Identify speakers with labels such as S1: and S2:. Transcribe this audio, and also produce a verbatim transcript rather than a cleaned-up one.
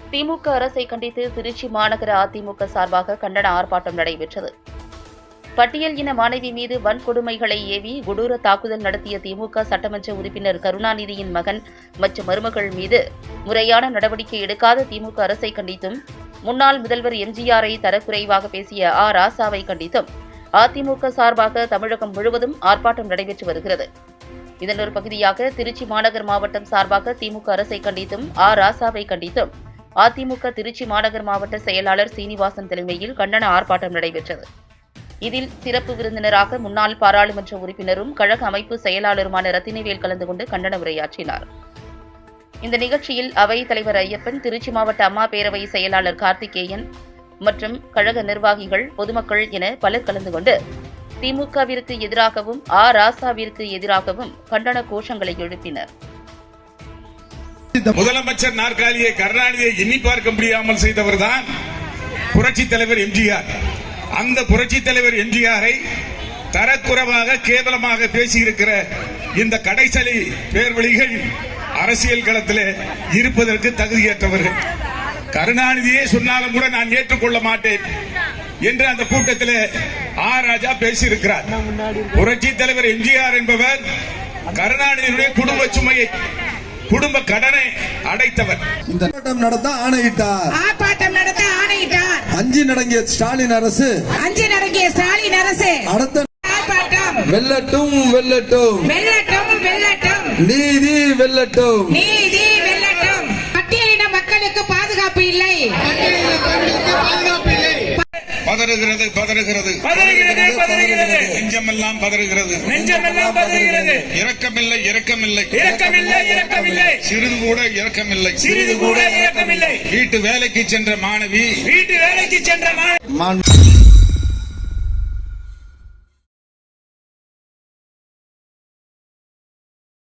S1: திமுக அரசை கண்டித்து திருச்சி மாநகர அதிமுக சார்பாக கண்டன ஆர்ப்பாட்டம் நடைபெற்றது. பட்டியல் இன மாணவி மீது வன்கொடுமைகளை ஏவி கொடூர தாக்குதல் நடத்திய திமுக சட்டமன்ற உறுப்பினர் கருணாநிதியின் மகன் மற்றும் மருமகள் மீது முறையான நடவடிக்கை எடுக்காத திமுக அரசை கண்டித்தும், முன்னாள் முதல்வர் எம்ஜிஆரை தரக்குறைவாக பேசிய ஆ ராசாவை கண்டித்தும் அதிமுக சார்பாக தமிழகம் முழுவதும் ஆர்ப்பாட்டம் நடைபெற்று வருகிறது. இதன் ஒரு பகுதியாக திருச்சி மாநகர் மாவட்டம் சார்பாக திமுக அரசை கண்டித்தும் ஆ ராசாவை கண்டித்தும் அதிமுக திருச்சி மாநகர் மாவட்ட செயலாளர் சீனிவாசன் தலைமையில் கண்டன ஆர்ப்பாட்டம் நடைபெற்றது. இதில் சிறப்பு விருந்தினராக முன்னாள் பாராளுமன்ற உறுப்பினரும் கழக அமைப்பு செயலாளருமான ரத்தினவேல் கலந்து கொண்டு கண்டன உரையாற்றினார். இந்த நிகழ்ச்சியில் அவைத் தலைவர் ஐயப்பன், திருச்சி மாவட்ட அம்மா பேரவை செயலாளர் கார்த்திகேயன் மற்றும் கழக நிர்வாகிகள், பொதுமக்கள் என பலர் கலந்து கொண்டு திமுகவிற்கு எதிராகவும் ஆ ராசாவிற்கு எதிராகவும் கண்டன கோஷங்களை எழுப்பினர்.
S2: முதலமைச்சர் நாற்காலியை கருணாநிதியை எண்ணி பார்க்க முடியாமல் செய்தவர்தான் புரட்சித் தலைவர் எம்ஜிஆர். அந்த புரட்சித் தலைவர் எம்ஜிஆரை தரக்குறைவாக கேவலமாக பேசியிருக்கிற இந்த கடைசலி பேர்வழிகள் அரசியல் களத்தில் இருப்பதற்கு தகுதியற்றவர்கள். கருணாநிதியே சொன்னாலும் கூட நான் ஏற்றுக்கொள்ள மாட்டேன் என்று அந்த கூட்டத்தில் ஆ ராஜா பேசியிருக்கிறார். புரட்சித் தலைவர் எம்ஜிஆர் என்பவர் கருணாநிதியுடைய குடும்ப சுமையை, குடும்ப கடனை அடைத்தவர்.
S3: இந்த ஆர்ப்பாட்டம் நடத்த ஆணையிட்டார்
S4: ஆர்ப்பாட்டம் நடத்த ஆணையிட்டார்
S3: அஞ்சு நடங்கிய ஸ்டாலின் அரசு
S4: அஞ்சு நடங்கிய ஸ்டாலின் அரசு
S3: அடுத்த
S4: ஆர்ப்பாட்டம்
S3: வெல்லட்டும் வெல்லட்டும்
S4: வெல்லட்டும் வெல்லட்டும்
S3: நீதி வெல்லட்டும்
S4: நீதி வெல்லட்டும். பட்டியலின மக்களுக்கு பாதுகாப்பு இல்லை.
S2: பதறுகிறது பதறுகிறது
S5: பதறுகிறது பதறுகிறது
S2: நெஞ்சமெல்லாம் பதறுகிறது
S5: நெஞ்சமெல்லாம் பதறுகிறது.
S2: இரக்கமில்லை இரக்கமில்லை
S5: இரக்கமில்லை இரக்கமில்லை
S2: சிறிது கூட இரக்கமில்லை
S5: சிறிது கூட இரக்கமில்லை.
S2: வீட்டு வேலைக்கு சென்ற மாணவி
S5: வீட்டு வேலைக்கு சென்ற
S3: மாண